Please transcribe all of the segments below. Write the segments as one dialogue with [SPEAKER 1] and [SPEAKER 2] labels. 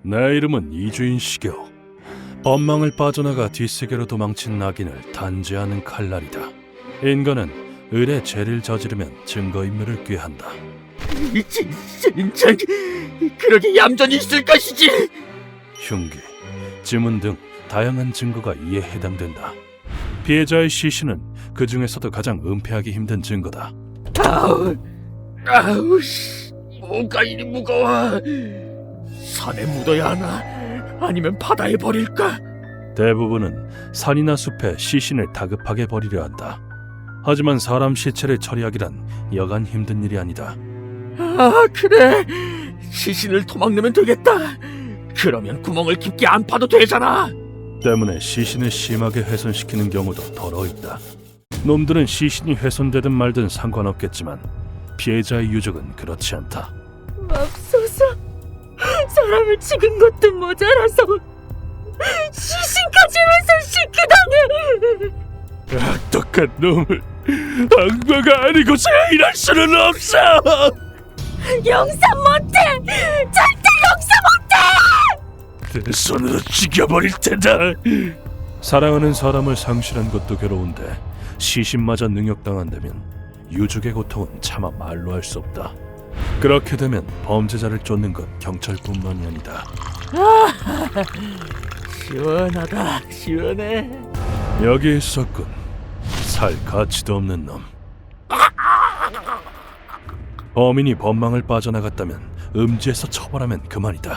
[SPEAKER 1] 내 이름은 이주인 시교. 법망을 빠져나가 뒷세계로 도망친 낙인을 단죄하는 칼날이다. 인간은 을의 죄를 저지르면 증거인멸을 꾀한다.
[SPEAKER 2] 진짜 그렇게 얌전히 있을 것이지.
[SPEAKER 1] 흉기, 지문 등 다양한 증거가 이에 해당된다. 피해자의 시신은 그 중에서도 가장 은폐하기 힘든 증거다.
[SPEAKER 2] 아우, 뭐가 이리 무거워. 산에 묻어야 하나? 아니면 바다에 버릴까?
[SPEAKER 1] 대부분은 산이나 숲에 시신을 다급하게 버리려 한다. 하지만 사람 시체를 처리하기란 여간 힘든 일이 아니다.
[SPEAKER 2] 아, 그래. 시신을 토막내면 되겠다. 그러면 구멍을 깊게 안 파도 되잖아.
[SPEAKER 1] 때문에 시신을 심하게 훼손시키는 경우도 더러 있다. 놈들은 시신이 훼손되든 말든 상관없겠지만 피해자의 유족은 그렇지 않다.
[SPEAKER 3] 맙소사, 사람을 죽인 것도 모자라서 시신까지 훼손시키다니.
[SPEAKER 1] 악독한 놈을 악마가 아니고서 이럴 수는 없어.
[SPEAKER 3] 용서 못해, 절대 용서 못해.
[SPEAKER 1] 내 손으로 죽여버릴 테다. 사랑하는 사람을 상실한 것도 괴로운데 시신마저 능욕당한다면 유족의 고통은 차마 말로 할 수 없다. 그렇게 되면 범죄자를 쫓는 건 경찰뿐만이 아니다.
[SPEAKER 2] 시원하다, 시원해.
[SPEAKER 1] 여기 있었군. 살 가치도 없는 놈. 범인이 법망을 빠져나갔다면 음지에서 처벌하면 그만이다.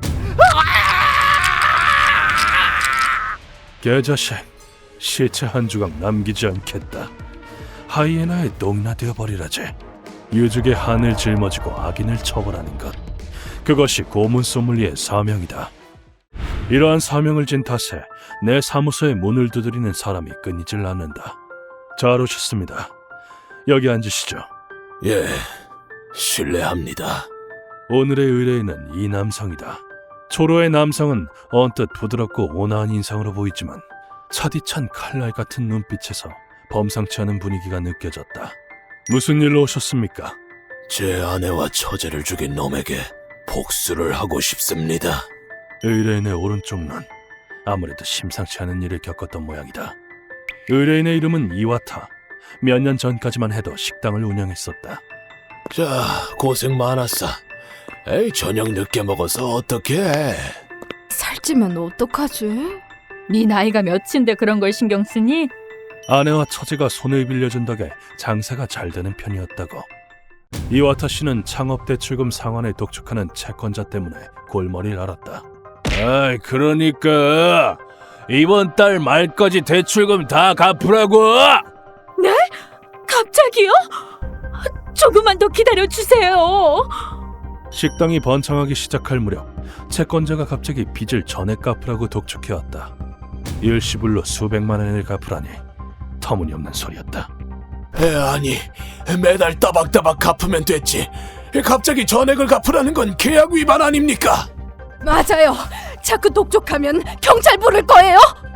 [SPEAKER 1] 개자식, 시체 한 조각 남기지 않겠다. 하이에나의 똥이나 되어버리라지. 유족의 한을 짊어지고 악인을 처벌하는 것, 그것이 고문 소믈리의 사명이다. 이러한 사명을 진 탓에 내 사무소에 문을 두드리는 사람이 끊이질 않는다. 잘 오셨습니다. 여기 앉으시죠.
[SPEAKER 2] 예, 실례합니다.
[SPEAKER 1] 오늘의 의뢰인은 이 남성이다. 초로의 남성은 언뜻 부드럽고 온화한 인상으로 보이지만 차디찬 칼날 같은 눈빛에서 범상치 않은 분위기가 느껴졌다. 무슨 일로 오셨습니까?
[SPEAKER 2] 제 아내와 처제를 죽인 놈에게 복수를 하고 싶습니다.
[SPEAKER 1] 의뢰인의 오른쪽 눈, 아무래도 심상치 않은 일을 겪었던 모양이다. 의뢰인의 이름은 이와타. 몇 년 전까지만 해도 식당을 운영했었다.
[SPEAKER 2] 자, 고생 많았어. 에이, 저녁 늦게 먹어서 어떡해.
[SPEAKER 3] 살찌면 어떡하지? 네 나이가 몇인데 그런 걸 신경 쓰니?
[SPEAKER 1] 아내와 처제가 손을 빌려준 덕에 장사가 잘 되는 편이었다고. 이와타 씨는 창업대출금 상환을 독촉하는 채권자 때문에 골머리를 앓았다. 아이, 그러니까 이번 달 말까지 대출금 다 갚으라고!
[SPEAKER 3] 네? 갑자기요? 조금만 더 기다려주세요.
[SPEAKER 1] 식당이 번창하기 시작할 무렵 채권자가 갑자기 빚을 전액 갚으라고 독촉해왔다. 일시불로 수백만 원을 갚으라니 터무니없는 소리였다.
[SPEAKER 2] 아니, 매달 따박따박 갚으면 됐지. 갑자기 전액을 갚으라는 건 계약 위반 아닙니까?
[SPEAKER 3] 맞아요. 자꾸 독촉하면 경찰 부를 거예요.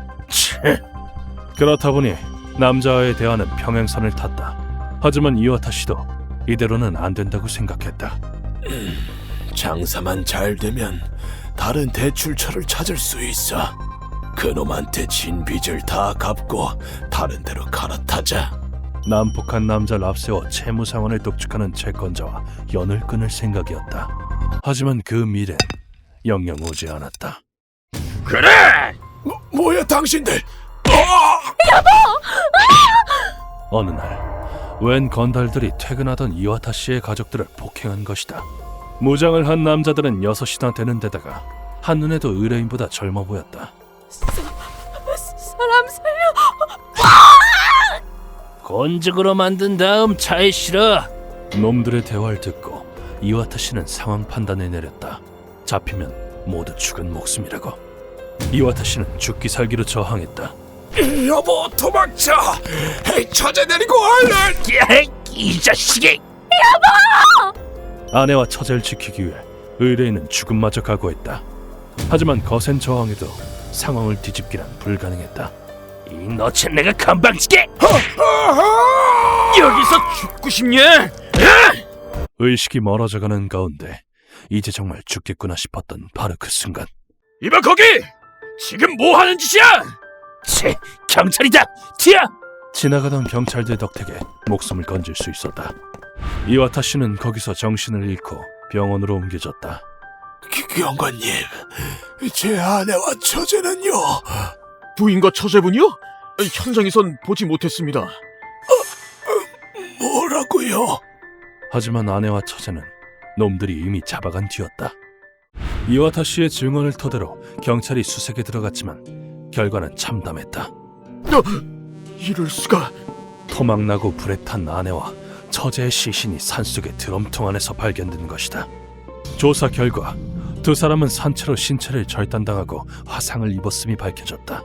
[SPEAKER 1] 그렇다 보니 남자와의 대화는 평행선을 탔다. 하지만 이와타 씨도 이대로는 안 된다고 생각했다.
[SPEAKER 2] 장사만 잘 되면 다른 대출처를 찾을 수 있어. 그놈한테 진 빚을 다 갚고 다른 데로 갈아타자.
[SPEAKER 1] 난폭한 남자를 앞세워 채무 상환을 독촉하는 채권자와 연을 끊을 생각이었다. 하지만 그 미래는 영영 오지 않았다.
[SPEAKER 2] 그래! 뭐야 당신들?
[SPEAKER 1] 어느 날 웬 건달들이 퇴근하던 이와타 씨의 가족들을 폭행한 것이다. 무장을 한 남자들은 6이나 되는 데다가 한눈에도 의뢰인보다 젊어 보였다.
[SPEAKER 3] 사람 살려.
[SPEAKER 1] 건적으로 만든 다음 차에 실어. 놈들의 대화를 듣고 이와타 씨는 상황 판단을 내렸다. 잡히면 모두 죽은 목숨이라고. 이와타 씨는 죽기 살기로 저항했다.
[SPEAKER 2] 여보, 도망쳐! 처제 데리고 얼른! 이 자식이!
[SPEAKER 1] 아내와 처제를 지키기 위해 의뢰인은 죽음마저 각오했다. 하지만 거센 저항에도 상황을 뒤집기란 불가능했다. 이 너치 내가 건방지게!
[SPEAKER 2] 여기서 죽고 싶냐?
[SPEAKER 1] 의식이 멀어져가는 가운데 이제 정말 죽겠구나 싶었던 바로 그 순간,
[SPEAKER 2] 이봐 거기! 지금 뭐 하는 짓이야? 치, 경찰이다! 튀어!
[SPEAKER 1] 지나가던 경찰들 덕택에 목숨을 건질 수 있었다. 이와타 씨는 거기서 정신을 잃고 병원으로 옮겨졌다.
[SPEAKER 2] 경관님, 제 아내와 처제는요?
[SPEAKER 4] 부인과 처제분이요? 현장에선 보지 못했습니다.
[SPEAKER 2] 뭐라고요?
[SPEAKER 1] 하지만 아내와 처제는 놈들이 이미 잡아간 뒤였다. 이와타 씨의 증언을 토대로 경찰이 수색에 들어갔지만 결과는 참담했다.
[SPEAKER 4] 이럴 수가.
[SPEAKER 1] 토막나고 불에 탄 아내와 처제의 시신이 산속의 드럼통 안에서 발견된 것이다. 조사 결과 두 사람은 산채로 신체를 절단당하고 화상을 입었음이 밝혀졌다.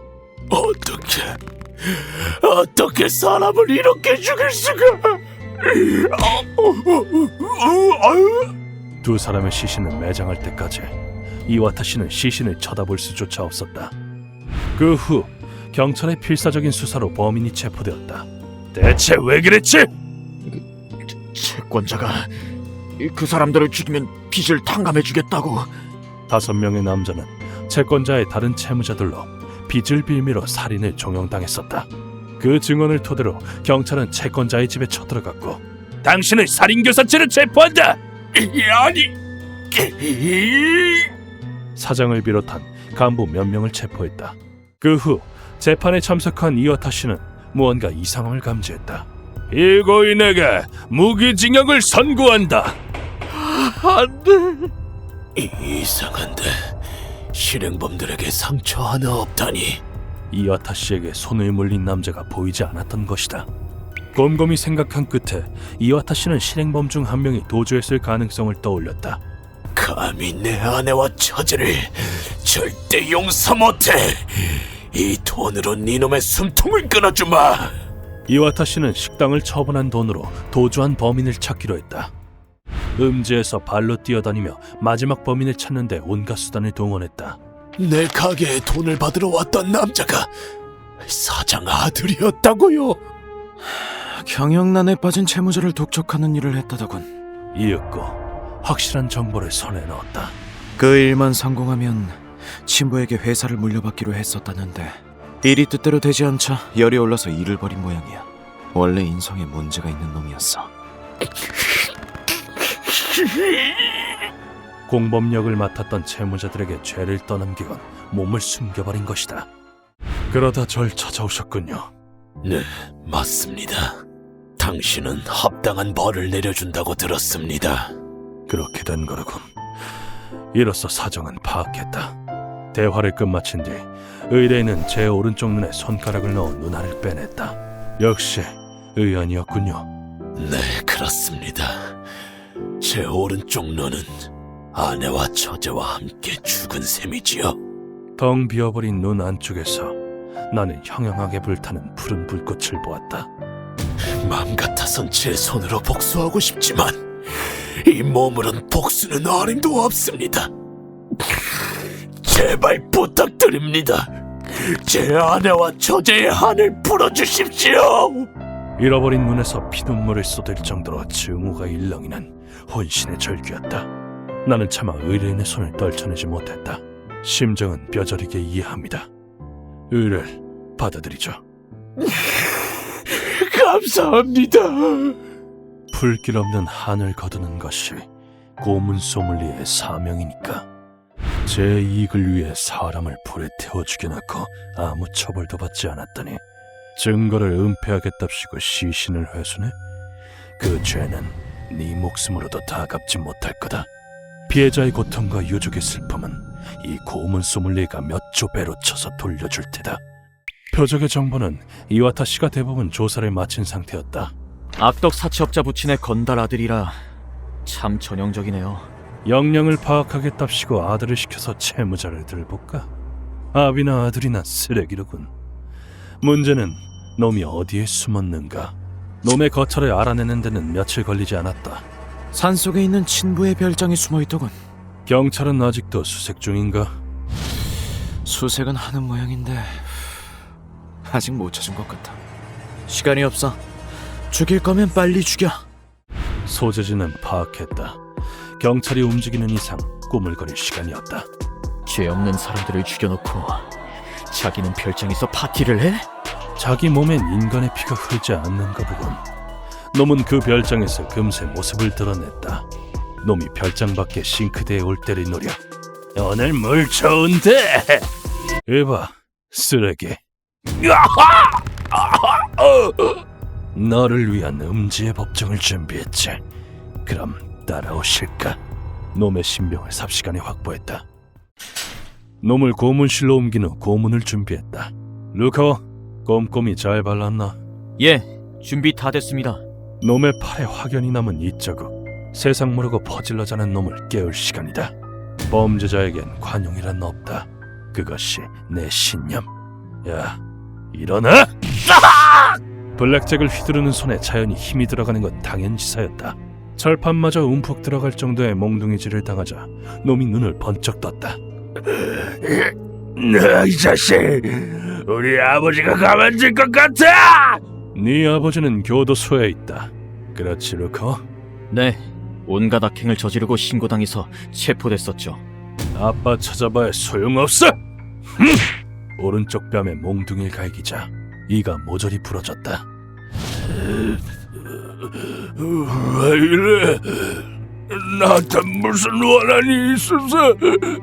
[SPEAKER 2] 어떻게 사람을 이렇게 죽일 수가?
[SPEAKER 1] 두 사람의 시신을 매장할 때까지 이와타 씨는 시신을 쳐다볼 수조차 없었다. 그 후 경찰의 필사적인 수사로 범인이 체포되었다.
[SPEAKER 2] 대체 왜 그랬지?
[SPEAKER 4] 채권자가 그 사람들을 죽이면 빚을 탕감해주겠다고.
[SPEAKER 1] 5명의 남자는 채권자의 다른 채무자들로 빚을 빌미로 살인을 종용당했었다. 그 증언을 토대로 경찰은 채권자의 집에 쳐들어갔고,
[SPEAKER 2] 당신을 살인교사죄로 체포한다! 아니...
[SPEAKER 1] 사장을 비롯한 간부 몇 명을 체포했다. 그 후 재판에 참석한 이와타 씨는 무언가 이상함을 감지했다.
[SPEAKER 2] 피고인에게 무기징역을 선고한다! 안 돼... 이상한데... 실행범들에게 상처 하나 없다니...
[SPEAKER 1] 이와타 씨에게 손을 물린 남자가 보이지 않았던 것이다. 곰곰이 생각한 끝에 이와타 씨는 실행범 중 한 명이 도주했을 가능성을 떠올렸다.
[SPEAKER 2] 감히 내 아내와 처제를 절대 용서 못해! 이 돈으로 니놈의 숨통을 끊어주마!
[SPEAKER 1] 이와타 씨는 식당을 처분한 돈으로 도주한 범인을 찾기로 했다. 음지에서 발로 뛰어다니며 마지막 범인을 찾는 데 온갖 수단을 동원했다.
[SPEAKER 2] 내 가게에 돈을 받으러 왔던 남자가 사장 아들이었다고요?
[SPEAKER 5] 경영난에 빠진 채무자를 독촉하는 일을 했다더군.
[SPEAKER 1] 이윽고 확실한 정보를 손에 넣었다.
[SPEAKER 5] 그 일만 성공하면 친부에게 회사를 물려받기로 했었다는데 일이 뜻대로 되지 않자 열이 올라서 일을 벌인 모양이야. 원래 인성에 문제가 있는 놈이었어.
[SPEAKER 1] 공범력을 맡았던 채무자들에게 죄를 떠넘기곤 몸을 숨겨버린 것이다. 그러다 절 찾아오셨군요.
[SPEAKER 2] 네, 맞습니다. 당신은 합당한 벌을 내려준다고 들었습니다.
[SPEAKER 1] 그렇게 된 거라군. 이로써 사정은 파악했다. 대화를 끝마친 뒤 의뢰인은 제 오른쪽 눈에 손가락을 넣어 눈알을 빼냈다. 역시 의안이었군요.
[SPEAKER 2] 네, 그렇습니다. 제 오른쪽 눈은 아내와 처제와 함께 죽은 셈이지요.
[SPEAKER 1] 덩 비어버린 눈 안쪽에서 나는 형형하게 불타는 푸른 불꽃을 보았다.
[SPEAKER 2] 마음 같아선 제 손으로 복수하고 싶지만 이 몸으론 복수는 어림도 없습니다. 제발 부탁드립니다. 제 아내와 처제의 한을 풀어주십시오.
[SPEAKER 1] 잃어버린 눈에서 피눈물을 쏟을 정도로 증오가 일렁이는 혼신의 절규였다. 나는 차마 의뢰인의 손을 떨쳐내지 못했다. 심정은 뼈저리게 이해합니다. 의뢰를 받아들이죠.
[SPEAKER 2] 감사합니다.
[SPEAKER 1] 불길 없는 한을 거두는 것이 고문 소믈리에의 사명이니까. 제 이익을 위해 사람을 불에 태워 죽여놓고 아무 처벌도 받지 않았더니 증거를 은폐하겠답시고 시신을 훼손해? 그 죄는 네 목숨으로도 다 갚지 못할 거다. 피해자의 고통과 유족의 슬픔은 이 고문 소믈리에가 몇 조 배로 쳐서 돌려줄 테다. 표적의 정보는 이와타 씨가 대부분 조사를 마친 상태였다.
[SPEAKER 4] 악덕 사채업자 부친의 건달 아들이라 참 전형적이네요.
[SPEAKER 1] 역량을 파악하겠답시고 아들을 시켜서 채무자를 들볼까? 아비나 아들이나 쓰레기로군. 문제는 놈이 어디에 숨었는가. 놈의 거처를 알아내는 데는 며칠 걸리지 않았다.
[SPEAKER 5] 산속에 있는 친부의 별장에 숨어있더군.
[SPEAKER 1] 경찰은 아직도 수색 중인가?
[SPEAKER 5] 수색은 하는 모양인데 아직 못 찾은 것 같아. 시간이 없어. 죽일 거면 빨리 죽여.
[SPEAKER 1] 소재지는 파악했다. 경찰이 움직이는 이상 꾸물거릴 시간이었다.
[SPEAKER 4] 죄 없는 사람들을 죽여놓고 자기는 별장에서 파티를 해?
[SPEAKER 1] 자기 몸엔 인간의 피가 흐르지 않는가 보군. 놈은 그 별장에서 금세 모습을 드러냈다. 놈이 별장 밖에 싱크대에 올 때를 노려. 오늘 물 좋은데? 이봐, 쓰레기. 너를 위한 음지의 법정을 준비했지. 그럼 따라오실까? 놈의 신병을 삽시간에 확보했다. 놈을 고문실로 옮긴 후 고문을 준비했다. 루카워, 꼼꼼히 잘 발랐나?
[SPEAKER 4] 예, 준비 다 됐습니다.
[SPEAKER 1] 놈의 팔에 확연히 남은 이 자국. 세상 모르고 퍼질러 자는 놈을 깨울 시간이다. 범죄자에겐 관용이란 없다. 그것이 내 신념. 야, 일어나! 블랙잭을 휘두르는 손에 자연히 힘이 들어가는 건 당연지사였다. 철판마저 움푹 들어갈 정도의 몽둥이질을 당하자 놈이 눈을 번쩍 떴다. 이 자식! 우리 아버지가 가만질 것 같아! 네 아버지는 교도소에 있다. 그렇지, 루커?
[SPEAKER 4] 네, 온갖 악행을 저지르고 신고당해서 체포됐었죠.
[SPEAKER 1] 아빠 찾아봐야 소용없어! 오른쪽 뺨에 몽둥이를 갈기자 이가 모조리 부러졌다. 왜 이래? 나한테 무슨 원한이 있어서?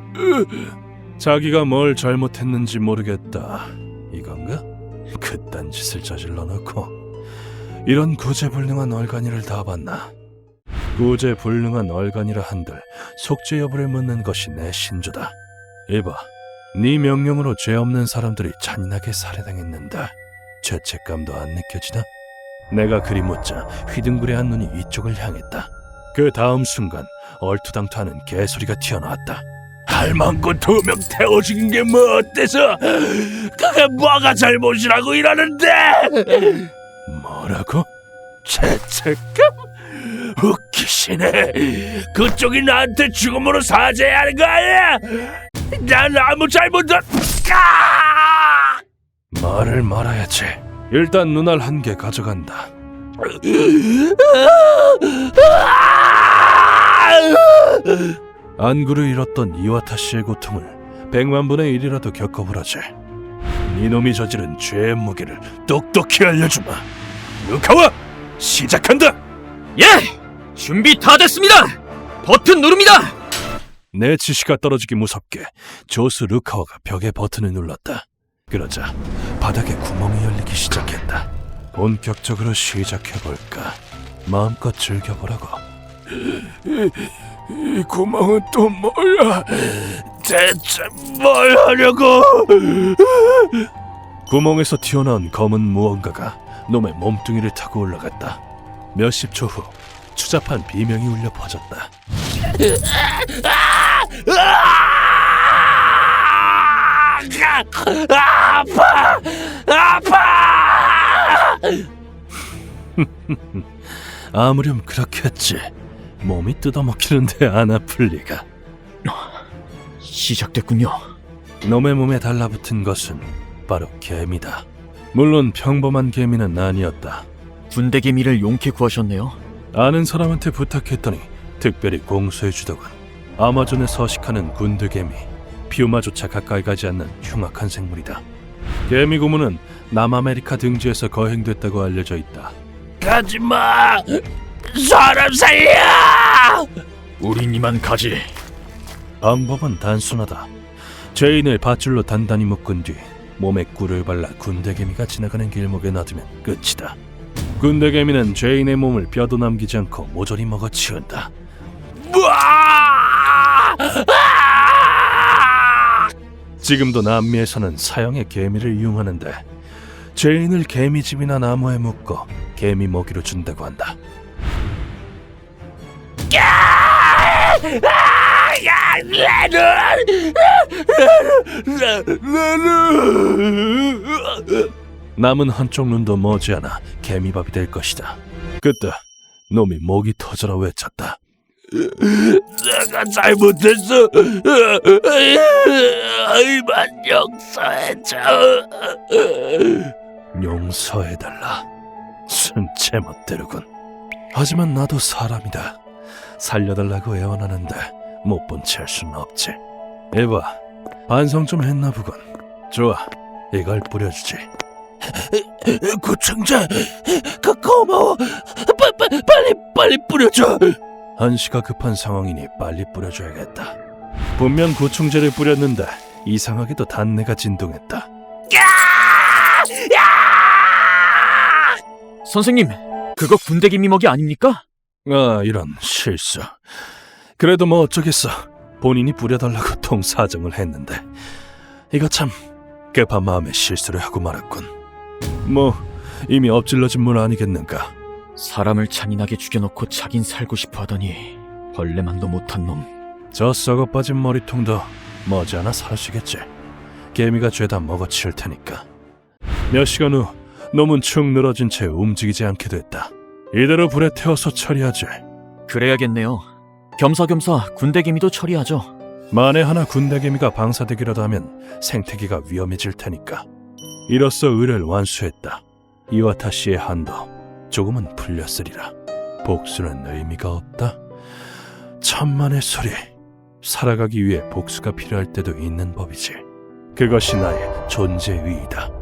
[SPEAKER 1] 자기가 뭘 잘못했는지 모르겠다 이건가? 그딴 짓을 저질러 놓고 이런 구제불능한 얼간이를 다 봤나? 구제불능한 얼간이라 한들 속죄 여부를 묻는 것이 내 신조다. 이봐, 네 명령으로 죄 없는 사람들이 잔인하게 살해당했는데 죄책감도 안 느껴지나? 내가 그리 묻자 휘둥그레한 눈이 이쪽을 향했다. 그 다음 순간 얼투당투하는 개소리가 튀어나왔다. 할망구 2명 태워진 게 뭐 어때서? 그게 뭐가 잘못이라고 이러는데? 뭐라고? 죄책감? 웃기시네. 그쪽이 나한테 죽음으로 사죄해야 하는 거 아니야? 난 아무 잘못도... 말을 말아야지. 일단 눈알 1개 가져간다. 안구를 잃었던 이와타 씨의 고통을 100만 분의 1이라도 겪어보라지. 이놈이 저지른 죄의 무게를 똑똑히 알려주마. 루카와 시작한다.
[SPEAKER 4] 예! 준비 다 됐습니다! 버튼 누릅니다!
[SPEAKER 1] 내 지시가 떨어지기 무섭게 조스 루카와가 벽에 버튼을 눌렀다. 그러자 바닥에 구멍이 열리기 시작했다. 본격적으로 시작해볼까? 마음껏 즐겨보라고. 이 구멍은 또 뭐야? 대체 뭘 하려고? 구멍에서 튀어나온 검은 무언가가 놈의 몸뚱이를 타고 올라갔다. 몇십 초 후 추잡한 비명이 울려 퍼졌다. 아파! 아파! 아무렴 그렇겠지. 몸이 뜯어먹히는데 안 아플 리가.
[SPEAKER 4] 시작됐군요.
[SPEAKER 1] 놈의 몸에 달라붙은 것은 바로 개미다. 물론 평범한 개미는 아니었다.
[SPEAKER 4] 군대 개미를 용케 구하셨네요.
[SPEAKER 1] 아는 사람한테 부탁했더니 특별히 공수해주더군. 아마존에 서식하는 군대개미, 피우마조차 가까이 가지 않는 흉악한 생물이다. 개미 고문은 남아메리카 등지에서 거행됐다고 알려져 있다. 가지마! 사람 살려!
[SPEAKER 4] 우리니만 가지.
[SPEAKER 1] 방법은 단순하다. 죄인을 밧줄로 단단히 묶은 뒤 몸에 꿀을 발라 군대개미가 지나가는 길목에 놔두면 끝이다. 군대개미는 죄인의 몸을 뼈도 남기지 않고 모조리 먹어치운다. 지금도 남미에서는 사형의 개미를 이용하는데 죄인을 개미집이나 나무에 묶어 개미 먹이로 준다고 한다. 남은 한쪽 눈도 머지않아 개미밥이 될 것이다. 그때 놈이 목이 터져라 외쳤다. 내가 잘못했어. 이만 용서해줘. 용서해달라. 순체 멋대로군. 하지만 나도 사람이다. 살려달라고 애원하는데 못 본 채 할 순 없지. 이봐, 반성 좀 했나 보군. 좋아, 이걸 뿌려주지.
[SPEAKER 2] 구청장, 고마워. 빨리 뿌려줘.
[SPEAKER 1] 한시가 급한 상황이니 빨리 뿌려줘야겠다. 분명 구충제를 뿌렸는데 이상하게도 단내가 진동했다.
[SPEAKER 4] 선생님, 그거 군대기 미먹이 아닙니까?
[SPEAKER 1] 아, 이런 실수. 그래도 뭐 어쩌겠어. 본인이 뿌려달라고 통사정을 했는데 이거 참 급한 마음에 실수를 하고 말았군. 뭐 이미 엎질러진 물 아니겠는가.
[SPEAKER 4] 사람을 잔인하게 죽여놓고 자긴 살고 싶어 하더니 벌레만도 못한 놈.
[SPEAKER 1] 저 썩어빠진 머리통도 머지않아 사라지겠지. 개미가 죄다 먹어치울 테니까. 몇 시간 후 놈은 축 늘어진 채 움직이지 않게 됐다. 이대로 불에 태워서 처리하지.
[SPEAKER 4] 그래야겠네요. 겸사겸사 군대개미도 처리하죠.
[SPEAKER 1] 만에 하나 군대개미가 방사되기라도 하면 생태계가 위험해질 테니까. 이로써 의뢰를 완수했다. 이와타 씨의 한도 조금은 풀렸으리라. 복수는 의미가 없다. 천만의 소리. 살아가기 위해 복수가 필요할 때도 있는 법이지. 그것이 나의 존재의이다.